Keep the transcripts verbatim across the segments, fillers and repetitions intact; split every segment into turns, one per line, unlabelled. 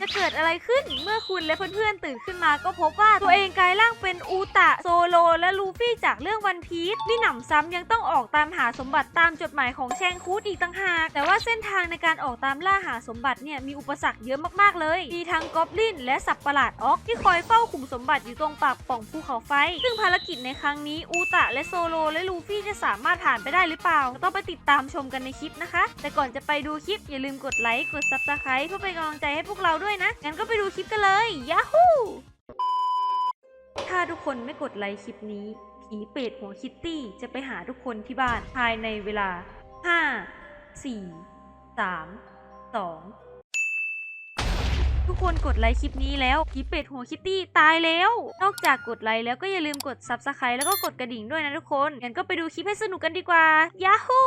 จะเกิดอะไรขึ้นเมื่อคุณและเพื่อนๆตื่นขึ้นมาก็พบว่าตัวเองกลายร่างเป็นอูตะโซโลและลูฟี่จากเรื่องวันพีซนี่หนำซ้ำยังต้องออกตามหาสมบัติตามจดหมายของแชงคูดอีกต่างหากแต่ว่าเส้นทางในการออกตามล่าหาสมบัติเนี่ยมีอุปสรรคเยอะมากๆเลยมีทั้งกอบลินและสัตว์ประหลาดออกที่คอยเฝ้าขุมสมบัติอยู่ตรงปากป่องภูเขาไฟซึ่งภารกิจในครั้งนี้อูตะและโซโลและลูฟี่จะสามารถผ่านไปได้หรือเปล่าต้องไปติดตามชมกันในคลิปนะคะแต่ก่อนจะไปดูคลิปอย่าลืมกดไลค์กด ซับสไครบ์ เพื่อเป็นกำลังใจให้พวกเราด้วยนะงั้นก็ไปดูคลิปกันเลยยาฮูถ้าทุกคนไม่กดไลค์คลิปนี้ผีเปรตหัวคิตตี้จะไปหาทุกคนที่บ้านภายในเวลาห้า สี่ สาม สองทุกคนกดไลค์คลิปนี้แล้วผีเป็ดหัวคิตตี้ตายแล้วนอกจากกดไลค์แล้วก็อย่าลืมกด ซับสไครบ์ แล้วก็กดกระดิ่งด้วยนะทุกคนงั้นก็ไปดูคลิปให้สนุกกันดีกว่ายาฮู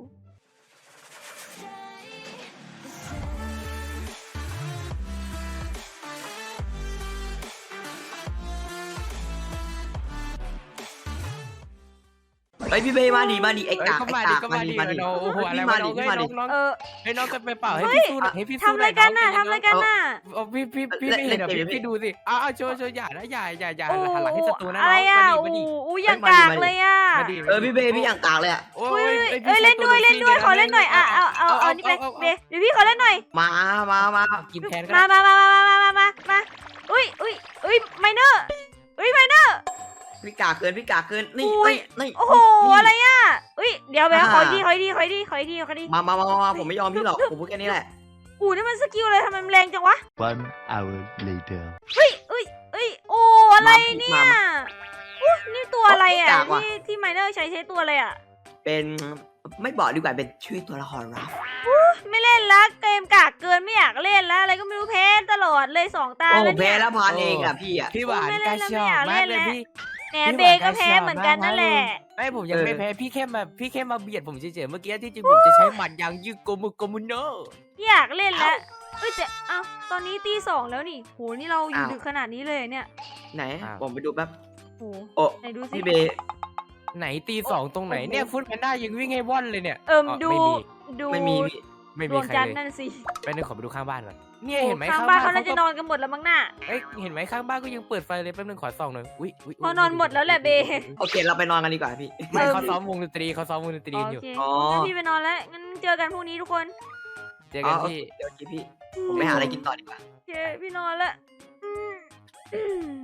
ไปพี่เบย์มาดิมาดิไอ้กาก
ก็
ไอ้
มาดิ
กาก
ก็
มา
มา
ดิ
ดิ
มาดิ
น้องโอ้โหอะไร
พี่มาว
ะ
ดิ
น้อง
พี่
เฮ้ย
มาดิ
น้องน้อง
เออ
ให้น้องจะไปเป่าให้พี่สู้หน่อยให้พี่สู้
ทำอะไรกันน่ะทำอะไรกันน่ะ
เอาพี่พี่พี่ไม่เห็นเดี๋ยวพี่พี่ดูสิเอาเอาโชว์โชว์อย่านะอย่าอย่าอย่า
โอ้
หันหลังให้ศัตรูนะ
อะ
น้
ไร
อง
อ่ะ
มาดิ
อู้อู้อย่างกากเลยอ่ะ
มาดิ
เออพี่เบย์พี่อย่างกากเลยอ่ะ
โอ้
เอ้
ย
ย
อ้ย
เอ้ยเล่นด้วยเล่นด้วยขอเล่นหน่อยอ่ะเอาเอาเอานี่ไปเบเดี๋ยวพี่ขอเล่นหน่อย
มามามา
กินแทนก็
มา
ได้
มามามามามามามาอุ้ยอุ้ยอุ้ยไมเนอร์อุ้ยไมเนอร์
พี่กากเกินพี่กากเกินนี่
อุ้ย
นี่
โอ้โหอะไรอ่ะอุ้ยเดี๋ยวแบขอดีขอดีขอดีขอดีขอดี
มามามามาผมไม่ยอมพี่หรอกผมพูดแค่นี้แหละ
อู้นี่มันสกิลอะไรทำไมมันแรงจังวะ
One hour later.
เฮ้ยเอ้ยเอ้ยโอ้อะไรเนี่ยอู้นี่ตัวอะไรอ่ะที่ที่ไมเนอร์ใช้ใช้ตัวอะไรอ่ะ
เป็นไม่บอกดีกว่าเป็นชื่อตัวละครลับ
ไม่เล่นละเกมกากเกินไม่อยากเล่นแล้วอะไรก็ไม่รู้แพ้ตลอดเลยสองตา
โอ้
แล้ว
แพ้
เนี่ย
แล้วพานเองอ่ะพี่อ่ะ
พี่หวาน
ไม่เล่
กาน
แล้ว
ช
ไม่
อ
อยาก
บมาก
เล่น
เลย
แล้ว
พี่
แหมเบก็แพ้เหมือนกันนั่นแหละ
ไอ้ผมยังไม่แพ้พี่แค่มาพี่แค่มาเบียดผมเฉยๆเมื่อกี้ที่จริงผมจะใช้หมัดยางยืดโกมุโกมุโน
อยากเล่นแล้วเอ้ยแต่เอ้าตอนนี้ตีสองแล้วนี่โหนี่เราอยู่ดึกขนาดนี้เลยเนี่ย
ไหนผมไปดูแป๊บ
โห
โอ้
ไหนดูสิ
พี่เบย์
ไหนตีสองตรงไหนเนี่ยฟุตแพนด้ายังวิ่งให้ว่อนเลยเนี่ย
เอิ่ม
อ๋อ
ดู
ไม่มี
ดู
ไม่มีพี่
ไม่
ด
มี
วง
ใคร
จันท
เล
ร์
ย
นั่นสิ
ไปนึงขอไปดูข้างบ้านก่อนเนี่ย
โอ้
เห็นไหม
ข้างบ้านเขา
เขา
น่าจะนอนกันหมดแล้วมั้งน่ะ
เอ้ยเห็นไหมข้างบ้านก็ยังเปิดไฟเลยแป๊บนึงขอส่องหน่อยอุ้ยอุ้ย
เขานอนหมดแล้วแหละเบ
โอเคเราไปนอนกันดีกว่าพี่
ไม่เขาซ้อมวงดนตรีเขาซ้อมวงดนตรี
โอ
อยู่
เค
อ๋อ
งั้นพี่ไปนอนแล้วงั้นเจอกันพรุ่งนี้ทุกคน
เจอ
อ๋
กั
อน โอ
ที่
เคเดี๋ยวกี้พี่ผมไปหาอะไรกินต่อดีกว่า
โอเคพี่นอนแล้วอืมอืม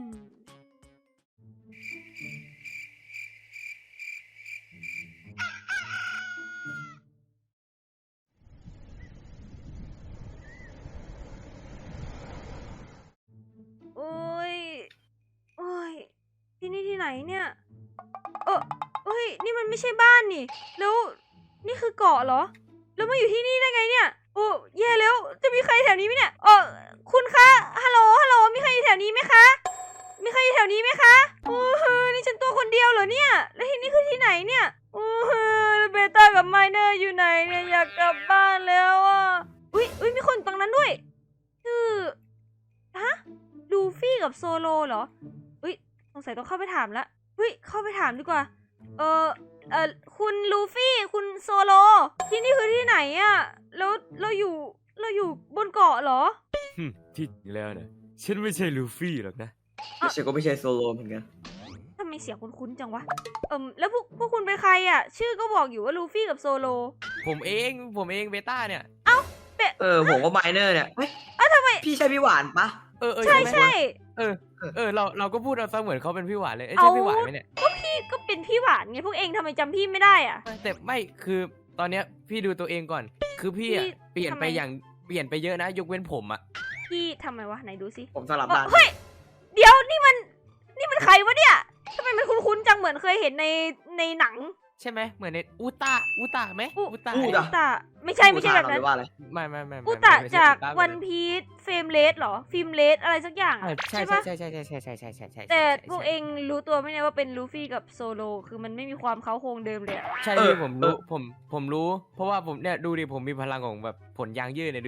โอ้ยโอ้ยที่นี่ที่ไหนเนี่ยเออเฮ้ยนี่มันไม่ใช่บ้านนี่แล้วนี่คือเกาะเหรอแล้วมาอยู่ที่นี่ได้ไงเนี่ยโอ้แย่แล้วจะมีใครแถวนี้ไหมเนี่ยเออคุณคะฮัลโหลฮัลโหลมีใครอยู่แถวนี้ไหมคะมีใครอยู่แถวนี้ไหมคะโอ้โหนี่ฉันตัวคนเดียวเหรอเนี่ยแล้วที่นี่คือที่ไหนเนี่ยโอ้โหเบต้ากับไมเนอร์อยู่ไหนเนี่ยอยากกลับบ้านแล้วอ่ะอุ้ยอุ้ยมีคนตรงนั้นด้วยชื่อฮะลูฟี่กับโซโลเหรออุ้ยสงสัยต้องเข้าไปถามละอุ้ยเข้าไปถามดีกว่าเออเออคุณลูฟี่คุณโซโลที่นี่คือที่ไหนอะแล้วเราอยู่เราอยู่บนเกาะเหรอ
ที่แล้วนะฉันไม่ใช่ลูฟี่หรอกนะ
ไม่ใช่ก็ไม่ใช่โซโลเหมือนกัน
ทำไมเสียงคุ้นๆจังวะเอิมแล้วพวกพวกคุณเป็นใครอะชื่อก็บอกอยู่ว่าลูฟี่กับโซโล
ผมเองผมเองเบต้าเนี่ย
เออผมก็ไมเนอร์เนี่ยเฮ้ย
อ้าวทำไม
พี่ใช่พี่หวานปะ
เออเออ
ใช่
ไหม
ใช่
เออเออเราเราก็พูดเอาซะเหมือนเขาเป็นพี่หวานเลยเอ้ยใช่พี่หวานไหมเนี่ย
พี่ก็เป็นพี่หวานไงพวกเองทำไมจำพี่ไม่ได้อะ
แต่ไม่คือตอนเนี้ยพี่ดูตัวเองก่อน คือพี่อะ
พี่
เปลี่ยน
ทำไม
ไปอย่างเปลี่ยนไปเยอะนะ ยกเว้นผมอะ
พี่ทำไมวะไหนดูสิ
ผมสลับบ้าน
เฮ้ยเดี๋ยวนี่มันนี่มันใครวะเนี่ยทำไมมันคุ้นๆจังเหมือนเคยเห็นในในหนัง
ใช่ไหมเหมือนในอุตะอุตะไหม
อุ
อุตะ
อุตะไม่ใช่ไม่ใช่แบบนั้น
ว่าอะไร
ไม่ไม่ไม่ไม่
อุตะ
ไม่ใช่
จาก
อุตะ
วันพีซเฟรมเลสหรอฟิล์มเลสอะไรสักอย่าง
เออ
อะ
ใช่
ใช่
ใช่
ปะ
ใช่ใช่ใช่ใช่ใช่ใช่ใช่ใช่
แต่
ใช่
พวกเองรู้ตัวไหมเนี่ยว่าเป็นลูฟี่กับโซโลคือมันไม่มีความเค้าโครงเดิมเลยอะ
ใช่พี่ผมรู้ผมผมรู้ เพราะว่าผมเนี่ยดูดิผมมีพลังของแบบผลยางยืดเนี่ยดูดิ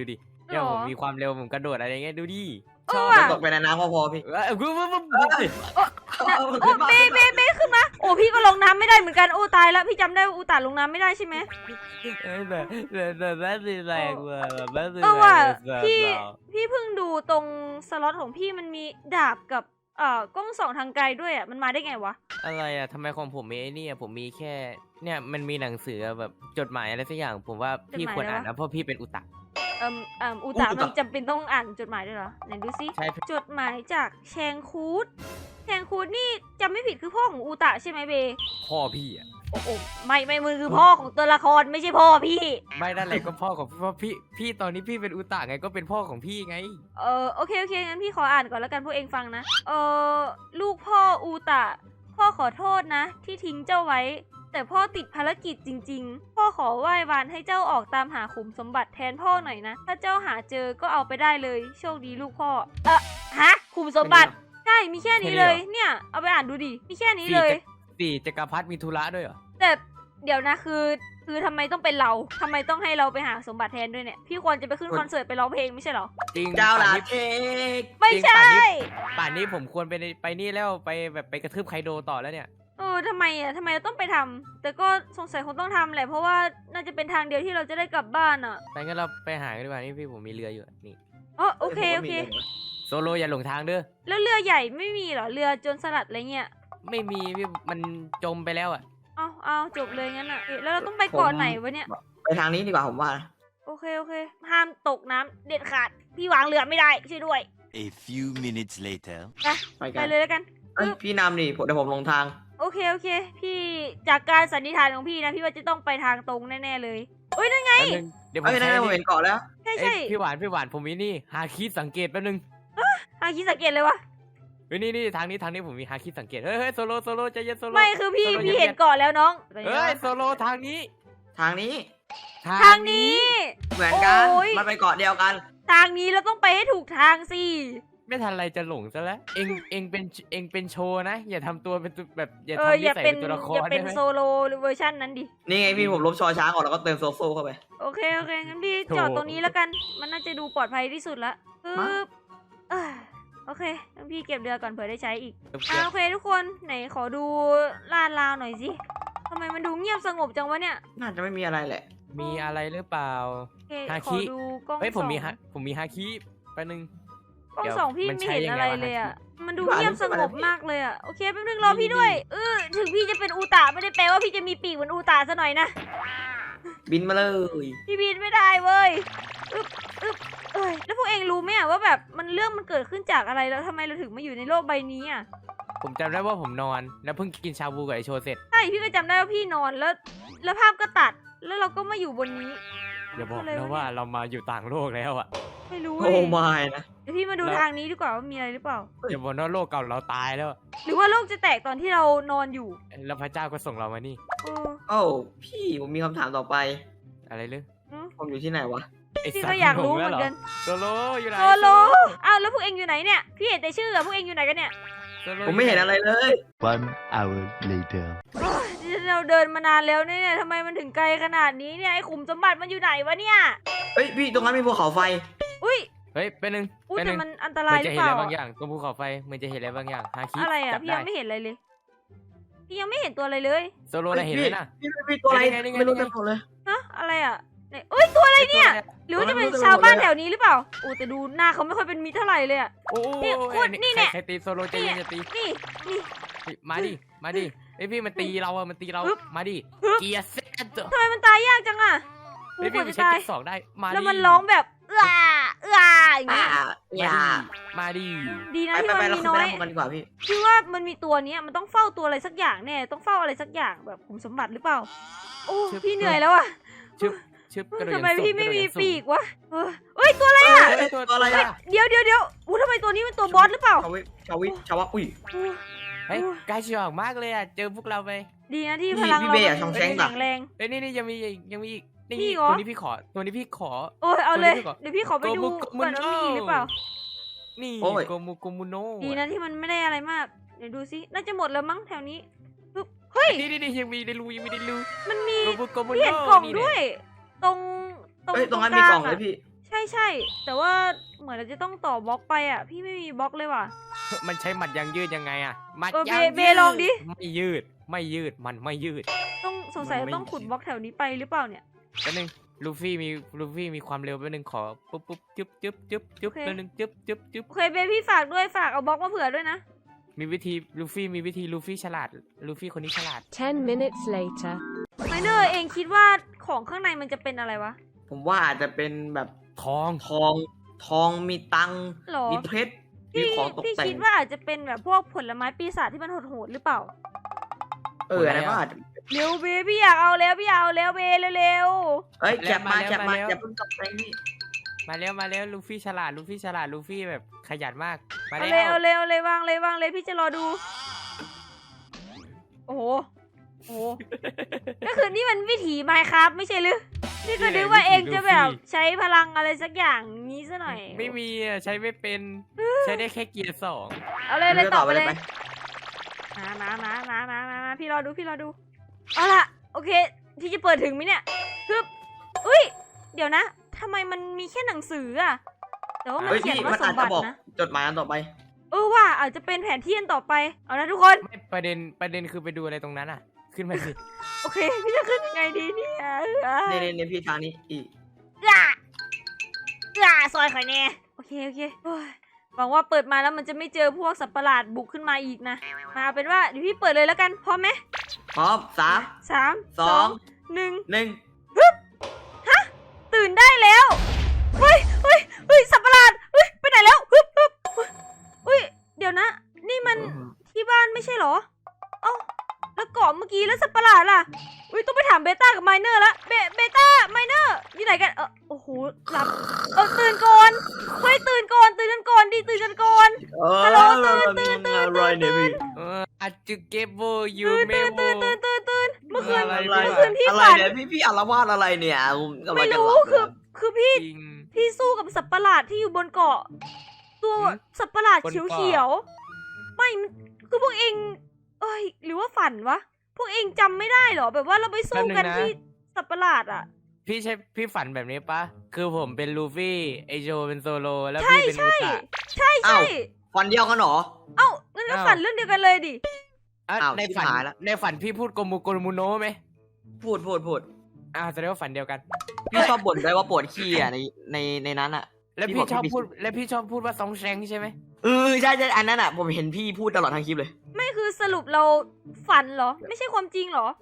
เดี๋ยว
หร
ผ
อ
มมีความเร็วผมกระโดดอะไรเงี้ยดูดิ
เออ
ชอบ
ว่ะ
ตกไปในน้ำก็พอพี่
เออกูกูกู
เอ้ย
โอ้เบเบเบขึ้นมาโอ้พี่ก็ลงน้ำไม่ได้เหมือนกันโอ้ตายแล้วพี่จำได้ว่าอูตาลงน้ำไม่ได้ใช่ไหม
เออแบบแบบแบบแบบแรงว่ะแบบแบบ
เออว่ะ
แบบ
พี่พี่เพิ่งดูตรงสล็อตของพี่มันมีดาบกับเอ่อกล้องส่องทางไกลด้วยอ่ะมันมาได้ไงวะ
อะไรอ่ะทำไมของผมมีไอ้นี่อ่ะผมมีแค่เนี่ยมันมีหนังสือแบบจดหมายอะไรสักอย่าง ผมว่าพี่ควรอ่านนะเพราะพี่เป็นอุตะ
เอ่มเอ่มอูตามันจำเป็นต้องอ่านจดหมายด้วยเหรอไหนดูซิ
ใช่
จดหมายจากแชงคูดแชงคูดนี่จำไม่ผิดคือพ่อของอูตาใช่ไหมเบ
พ่อพี่อ่ะ
โอ้โอ้ไม่ไม่มือคือพ่อของตัวละครไม่ใช่พ่อพี่
ไม่นั่นแหละก็พ่อของพ่อพี่พี่ตอนนี้พี่เป็นอุตะไงก็เป็นพ่อของพี่ไง
เออโอเคโอเคงั้นพี่ขออ่านก่อนแล้วกันพวกเองฟังนะเออลูกพ่ออูตะพ่อขอโทษนะ ที่ทิ้งเจ้าไว้ แต่พ่อติดภารกิจจริงๆ พ่อขอไหว้วานให้เจ้าออกตามหาขุมสมบัติแทนพ่อหน่อยนะ ถ้าเจ้าหาเจอก็เอาไปได้เลยโชคดีลูกพ่อเออฮะขุมสมบัติใช่มีแค่นี้เลยเนี่ยเอาไปอ่านดูดิมีแค่นี้เลย
สี่จักรพรรดิมีธุระด้วยเหรอ
แต่เดี๋ยวนะคือคือทำไมต้องเป็นเราทำไมต้องให้เราไปหาสมบัติแทนด้วยเนี่ยพี่ควรจะไปขึ้นคอนเสิร์ตไปร้องเพลงไม่ใช่เหรอ
จริง
เจ้า
ป่า
ลาน
นี้
เทค
ไม่ใช่
ป่านนี้ผมควรไปในไปนี่แล้วไปแบบไปกระทืบไคโดต่อแล้วเนี่ย
เออทำไมอ่ะทำไมเราต้องไปทำแต่ก็สงสัยคงต้องทำแหละเพราะว่าน่าจะเป็นทางเดียวที่เราจะได้กลับบ้านอ่ะ
ไปงั้นเราไปหากันดีกว่านี่พี่ผมมีเรืออยู่นี่
อ๋อโอเคโอเค
โซโลอย่าหลงทางเด้อ
แล้วเรือใหญ่ไม่มีเหรอเรือโจรสลัดอะไรเงี้ย
ไม่มีพี่มันจมไปแล้วอ่ะ
เอาเอาจบเลยงั้นอ่ะเอ๊ะแล้วเราต้องไปเกาะไหนวะเนี่ย
ไปทางนี้ดีกว่าผมว่านะ
โอเคโอเค ห้ามตกน้ำเด็ดขาดพี่วางเรือไม่ได้ช่วยด้วย
A few minutes later.
ไป
ไป
กัน
เลยแล้วกัน
เอ้ยพี่นำดิผมเดี๋ยวผมลงทาง
โอเคโอเค พี่จากการสันนิษฐานของพี่นะพี่ว่าจะต้องไปทางตรงแน่ๆเลยเอ้ยนั่นไง
แป๊บนึงเดี๋ยวผม
เอ้ยนั่
ใช้
นผม
นี่
เห็นเกาะแล้ว
ใช่
เอ้
ใช่
ยพี่หวานพี่หวานผมมีนี่ฮาคิสังเกตแป๊บนึง
อาคิดสังเกตเลยวะ
เฮ้ยนี่นี่ทางนี้ทางนี้ผมมีฮาคิสังเกตเฮ้ยเฮ้ยโซโลโซโลใจเย็นโซโล
ไม่คือพี่
โซโล
พี่
ย็
เห็นเกาะแล้วน้อง
เฮ้ยโซโลทางนี้
ทางนี้
ทางนี้
เหมือนกัน
โอ้ย
มันไปเกาะเดียวกัน
ทางนี้เราต้องไปให้ถูกทางสิ
ไม่ทันไรจะหลงซะแล้วเองเองเป็นเองเป็นโชว์นะ อย่าทำตัวเป็นตัวแบบอย่า
เออ
ทำ
อ
นิ
ย่า
สัย
เป็
เป็น นตัวละค
อย่าร เป็
ได้
น
ไหม
โซโลเวอร์ชันนั้นดิ
นี่ไงพี่ผมลบชอช้างออกแล้วก็เติมโซโซ่เข้าไป
โอเคโอเคงั้นพี่จอดตรงนี้แล้วกัน มันน่าจะดูปลอดภัยที่สุดละปึ๊
มา
บเอ้ยโอเคงั้นพี่เก็บเรือก่อนเผื่อได้ใช้อีกอ่ะโอเคทุกคนไหนขอดูลาดราวหน่อยสิทำไมมันดูเงียบสงบจังวะเนี่ย
น่าจะไม่มีอะไรแหละ
มีอะไรหรือเปล่า
โอเค
ฮา
ข
คิ
อดูกล้อง
เฮ้ยผมมี
ส่อง
ฮะผมมีฮาคิแป๊บนึง
กล้อง
เดี๋ยว
ส่องพี่
มัน
ไม่
ใช้
เห็น
ยัง
อะ
ไง
ไร
วะ
เลย
ฮา
อ่ะ
คิ
มันดู
พี่หวาน
เงียบสงบ
พี่
มากเลยอ่ะโอเคแป๊บนึงรอพี่ด้วยเออถึงพี่จะเป็นอูตาไม่ได้แปลว่าพี่จะมีปีกเหมือนอูตาซะหน่อยนะ
บินมาเลย
พี่บินไม่ได้เว้ยอึ๊บอึ๊บเอ้ยแล้วพวกเองรู้ไหมอะว่าแบบมันเรื่องมันเกิดขึ้นจากอะไรแล้วทำไมเราถึงมาอยู่ในโลกใบนี้อ่ะ
ผมจำได้ว่าผมนอนแล้วเพิ่งกินชาบูกับไอโชเสร็จ
ใช่พี่ก็จำได้ว่าพี่นอนแล้ว แล้วภาพก็ตัดแล้วเราก็มาอยู่บนนี้
อย่าบอก
อะไรวะ
นะว่าเรามาอยู่ต่างโลกแล้วอ่ะ
ไม่รู้
โอ้
เลย
ไม่นะ
เดี๋ยวพี่มาดู
แล้ว
ทางนี้ดีกว่าว่ามีอะไรหรือเปล่า
อย่าบอกนะโลกเก่าเราตายแล้วอะ
หรือว่าโลกจะแตกตอนที่เรานอนอยู่
แล้วพระเจ้าก็ส่งเรามานี่
เออ
โอ้พี่ผมมีคำถามต่อไป
อะไรเลย
อืม
ผมอยู่ที่ไหนวะ
ไอ้
พี่
สัต
ก็
ว์
อยากรู้
งง
เห
แล้ว
มือน
เหรอ
กัน
โซโลอยู่ไหน
โซโลอ้าวแล้วพวกเองอยู่ไหนเนี่ยพี่เห็นแต่ชื่ออะพวกเองอยู่ไหนกันเนี่ย
โซโล
ผมไม่เห็นอะไรเลย
One hour later.
โอ๊ยเราเดินมานานแล้วเนี่ยทำไมมันถึงไกลขนาดนี้เนี่ยไอ้ขุมสมบัติมันอยู่ไหนวะเนี่ย
เฮ้ยพี่ตรงนั้นมีภูเขาไฟ
อุ้ย
เฮ้ยเป็นหนึ่ง
อุ้ย
เป็นห
แต่
นึ่ง
มันอันต
เห
รา
มื
ย
อน
หรื
จะ
อ
เห็
เป
น
ล่า
อะไรบางอย่างตรงภูเขาไฟเหมือนจะเห็นอะไรบางอย่างฮาคิ
อะไรอ่ะ
จับ
พี่
ได้
ยังไม่เห็นอะไรเลย พี่ยังไม่เห็นตัวอะไรเลย
โซโลน่ะเห็นไหมน่ะ
พี่พี่พี่ตัวอะไร
นี่ไงนี่ไง
ไม่รู้
นี่ไง
จะบอกเลย
ฮะอะไรอ่ะเนี่ยเอ้ยตัวอะไรเนี่ย หรือว่าจะเป็นชาวบ้านแถวนี้หรือเปล่าโอ้แต่ดูหน้าเขาไม่ค่อยเป็นมิตรเท่าไหร่เลยอ่ะ
โอ้โห
นี่คุณนี่เนี่ย
ใครใครตีโซโลใจเย็นจะตี
นี่นี่
เฮ้ยมาดิมาดิไอยพี่มันตีเราอะมันตีเรา
ฮึบ
มาดิ
ฮึบ
เกียร์เซ็ต
ทำไมมันตายยากจังอ่ะ
เฮ้ย
โอ้
พี่
โห
มัน
จะตาย
ใช้เก็บสองได้มาดิ
แล้วมันร้องแบบเอื้อเอื้ออย่าง
อ่า
เงี้ย
อย่า
มาดิ
ดีนะ
ไป
ที่
ไป
มัน
ไปเรา
มี
ขึ้น
น้
ไป
อย
ด้านบนกันดีกว่าพี่
พี่ว่ามันมีตัวเนี้ยมันต้องเฝ้าตัวอะไรสักอย่างแน่ต้องเฝ้าอะไรสักอย่างแบบขุมสมบัติหรือเปล่า โอ้พี่เหนื่อยแล้วอ่ะ
ชึบชึบกระโดด
ทำไม
อย่างสูง
พี่ไม่
กระโดด
มี
อย่างสูง
ปีกวะเออเอ้ยตัวอะไร
เอ้
อ่ะ
ยเอ้ยตัวอะไรอะ
เดี๋ยวเดี๋ยวเดี๋ยวอู้ทำไมตัวนี้เป็นตัวบอสหรือเปล่า
ชาวิชาวิชาวะอุ้ย
โอ้
เฮ้ยใกล้ชิวมากเลยอะเจอพวกเราไป
ดีนะที่
พี่
พลัง
พี่
เรา
เบย์อะ
มัน
ช่องแชง
แข็
ปะ
งแรง
เฮ้ยนี่นี่ยังมีอีกยังมีอีก
มี
นี่
เหรอ
ตัวนี้พี่ขอตัวนี้พี่ขอ
โอ้ยเอาเลย
ตัวนี้ก่อน
เดี๋ยวพี่ขอไปดู
โกมุ
ก่อนว่ามีอีกหรือเปล่า
นี่
โอ้ย
โกมูโกมูโน
ดีนะที่มันไม่ได้อะไรมาก เดี๋ยวดูซิ น่าจะหมดแล้วมั้งแถวนี้ปึ๊บเฮ้ย
นี่นี่นี่ยังมีในรูยังมีในรู
มันมี
โกมูโกมูโน
พี่เห็นกล่อง
นี่
ด้วย ตรงตรง
เฮ้ยตรงนั้น
ก
มี
ลาก
ล่อง
อะ
เลยพี่
ใช่ช่ใช่แต่ว่าเหมือนเราจะต้องต่อบล็อกไปอ่ะพี่ไม่มีบล็อกเลยว่ะ
มันใช้หมัดยางยืดยังไงอะหมัด
เออย
าง
เบ
ยื
เบ
ด
ลองดิ
ไม่ยืดไม่ยืดมันไม่ยืด
ต้องสงสัยเราต้องขุดบล็อกแถวนี้ไปหรือเปล่าเนี่ย
แป๊บนึงลูฟี่มีลูฟี่มีความเร็วแป๊บนึงขอปุ๊บปุ๊บจึ๊บจึ๊บจึ๊บจึ๊บ
โอเค
แป๊บนึงจึ๊บจึ๊บจึ๊บ
โอเคเบพี่ฝากด้วยฝากเอาบล็อกมาเผื่อด้วยนะ
มีวิธีลูฟี่มีวิธีลูฟี่ฉลาดลูฟี่คนนี้ฉลาด
Ten minutes later.
ไมเนอร์เองคิดว่าของข้างในมันจะเป็นอะไรวะ
ผมว่าอาจจะเป็นแบบ
ทอง
ทองทองมีตังค์
หรอ
มีเพชรมี
พี่
ของตก
พี่
แต่ง
คิดว่าอาจจะเป็นแบบพวกผลไม้ปีศาจที่มันโหดๆหรือเปล่า
เอออะไรก็อาจจะ
เร็วเบพี่อยากเอาแล้วพี่อยากเอาแล้วเบเร็ว
เอ้ยแคปมา
มาแล้ว
แคปมา
มาแล้ว
อย่าเพิ่งกลับไปนี่
มาแล้วมาแล้วลูฟี่ฉลาดลูฟี่ฉลาดลูฟี่แบบขยันมาก
ๆเอา
มาแล้
เลยว เอาเลยเอาเลยวางเลยวางเลยพี่จะรอดู โอ้โหโอ้โห ก็คือนี่มันวิถีไมค์ครับไม่ใช่หรือนี่ก็นึกว่าเองจะแบบใช้พลังอะไรสักอย่างนี้ซะหน่อย
ไม่มีอะใช้ไม่เป็นใช้ได้แค่เกียร์สอง
เอาเลยเลยต่อไปเลย
ไป
มามามามามามามาพี่รอดูพี่รอดูเอาล่ะโอเคพี่จะเปิดถึงไหมเนี่ยฮึบอุ้ยเดี๋ยวนะทำไมมันมีแค่หนังสืออะแต่ว่ามัน
เฮ้ย
เขียน
พี่
ว่า
มัน
ส
อาจ
มบั
จะ
ติ
บอก
นะ
จดหมายอันต่อไป
เออว่าอาจจะเป็นแผนที่อันต่อไปเอานะทุกคน
ไม่ประเด็นประเด็นคือไปดูอะไรตรงนั้นอ่ะ ขึ้นมาสิ
โอเคพี่จะขึ้นยังไงดีเนี่ย
ในในในพี่ทางนี้อีก
อ่ะอ่ะซอยข่อยแน่โอเคโอเคโอ้ยหวังว่าเปิดมาแล้วมันจะไม่เจอพวกสัตว์ประหลาดบุกขึ้นมาอีกนะมาเอาเป็นว่าเดี๋ยวพี่เปิดเลยแล้วกันพร้อมไหม
พร้อมสาม
สาม
สอง
หนึ่ง
หนึ่ง
ตื่นได้แล้ว เฮ้ยเฮ้ยเฮ้ย สัตว์ประหลาด เฮ้ย ไปไหนแล้วฮึบฮึบเฮ้ย เดี๋ยวนะ นี่มันที่บ้านไม่ใช่เหรอ เอ้า แล้วเกาะเมื่อกี้แล้วสัตว์ประหลาดล่ะอุ้ย ต้องไปถามเบต้ากับไมเนอร์ละเบเบต้า ไมเนอร์ อยู่ไหนกัน เออโอ้โห หลับ เออ ตื่นก่อน เฮ้ย ตื่นก่อน ตื่นกันก่อนดิ ตื่นกันก่อน ฮัลโหลตื่นตื่นตื่น
อะไรเนี่ยพี่
เอออาจูเกโบยู
ตื่น
เม
ตื่น
โบ
ตื่นตื่นตื่นตื่นเมื่อคืน
อะไร
อะไร
เมื่อคืนพี่
อะไร
ฝัน
เนี่ยพี่พี่อารวาสอะไรเนี่ยผมกำลั
ไม่
งจะ
รู้
หลับ
คือ คือพี่
จริง
พี่สู้กับสัตว์ประหลาดที่อยู่บนเกาะ ตัว
หืม
สัตว์ประหลาด
บน
เขียว
เกาะ
เขียวๆไม่มันคือพวกเองเอ้ยหรือว่าฝันวะพวกเองจำไม่ได้เหรอแบบว่าเราไปสู้กันที่สัตว์ประหลาดอ่ะ
พี่ใช่พี่ฝันแบบนี้ปะคือผมเป็นลูฟี่ไอโจเป็นโซโลแล้ว
ใช่
พี่เป็นอุ
ใช่
ตะ
ใช่ใช่
ฟันเดียวกันเหรอ
เอ้างั้นก็
อ้าว
ฝันเรื่องเดียวกันเลยดิ
อ่ะ
อ้าว
ในฝัน
ชิบหายละ
ในฝันพี่พูดโกมูโกมูโนะไหม
พูดพูดพูด
อ่าแสดงว่าฝันเดียวกัน
พี่ชอบบ่นด้วยว่าปวดขี้อ่ะในในในนั้นอ่ะ
แล้ว
พี่
พี่
บอก
ชอบ
พี่
พูดแล้วพี่ชอบพูดว่าซองแชงใช่ไหม
เออใช่ใช่อันนั้นอ่ะผมเห็นพี่พูดตลอดทั้งคลิปเลย
ไม่คือสรุปเราฝันเหรอ ไม่ใช่ความจริงเหรอ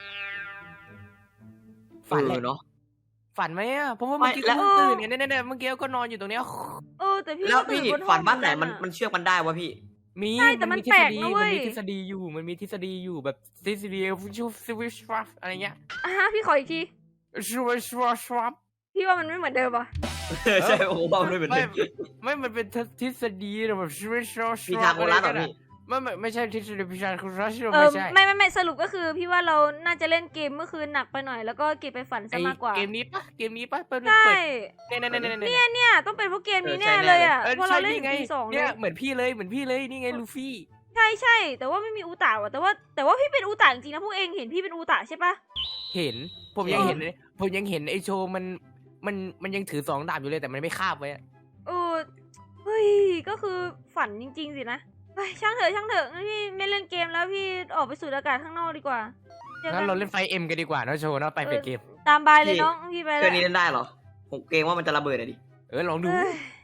ฝัน
เอ
เล
อย เนาะ
ฝันไหมอ่ะเพราะว่าเมื่อกี้
ไม่แล้ว
กูตื่นเนี่ยเนี่ยเนี่ยเมื่อกี้ก็นอนอยู่ตรงเนี้ย
เออแต่พี่
แล้ว
ก็ตื่
พี่
บนห้อง
ฝันบ้านไหนมัน
เอะ
มันเชือกมันได้วะพี่
มี
ใช่แต่มัน
ทฤ
แปล
ษ
ก
ฎี
นะเว้
มัน
ย
มีทฤษฎีอยู่มันมีทฤษฎีอยู่แบบทฤษฎีชูสวิชฟัฟอะไรเงี้ย
อ่ะฮะพี่ขออีกที
ชูวิชฟัฟฟัฟ
พี่ว่ามันไม่เหมือนเดิมอ่ะ
ใช่โอ้โหบ้าเลยเหมือน
ไม่
เดิม
ไม่มันเป็นทฤษฎีแบบชูวิชฟัฟ
พี่ทางโบราณเหรอพี่
ไม่ไม่ไม่ใช่ทฤษฎีพิชาคือรัช
เออ
ไม่ใช่
ไม่ไม่ไม่สรุปก็คือพี่ว่าเราน่าจะเล่นเกมเมื่อคืนหนักไปหน่อยแล้วก็เก็บไปฝันซะ
ไอ้
มากกว่า
เกมนี้ปะเกมนี้ปะเปิด
ใช่
เปิดเนี่ยเนี่ยเนี่ย
เนี่ยเนี่ยต้องเป็นเพราะเกมนี้แน่เลยอ่ะ
เออ
เพราะ
ใช่
เราเล่น
นี่ไง
ปีสองเล
เนี่ย
ย
เหมือนพี่เลยเหมือนพี่เลยนี่ไงลูฟี่
ใช่ใช่แต่ว่าไม่มีอูตาว่ะแต่ว่าแต่ว่าพี่เป็นอูตาจริงๆนะพวกเองเห็นพี่เป็นอูตาใช่ปะ
เห็นผมยังเห็นเลยผมยังเห็นไอโชว์มันมันมันยังถือสองดาบอยู่เลยแต่มันไม่คาบไว้อะ
เออเฮ้ยก็คือฝันจริงๆสินะเฮ้ยช่างเถอะช่างเถอะงั้นพี่ไม่เล่นเกมแล้วพี่ออกไปสูดอากาศข้างนอกดีกว่าจอ
งั้
กัน
เราเล่นไฟเอ็มกันดีกว่าเนอะโชว์เนอะไปเป็นเกม
ตามบายเลยน้องพี่ไป
เค
แล้
รื่อ
ว
งนี้เล่นได้เหรอผมเกรงว่ามันจะระเบิดอะดิ
เออลองดู
เฮ้ย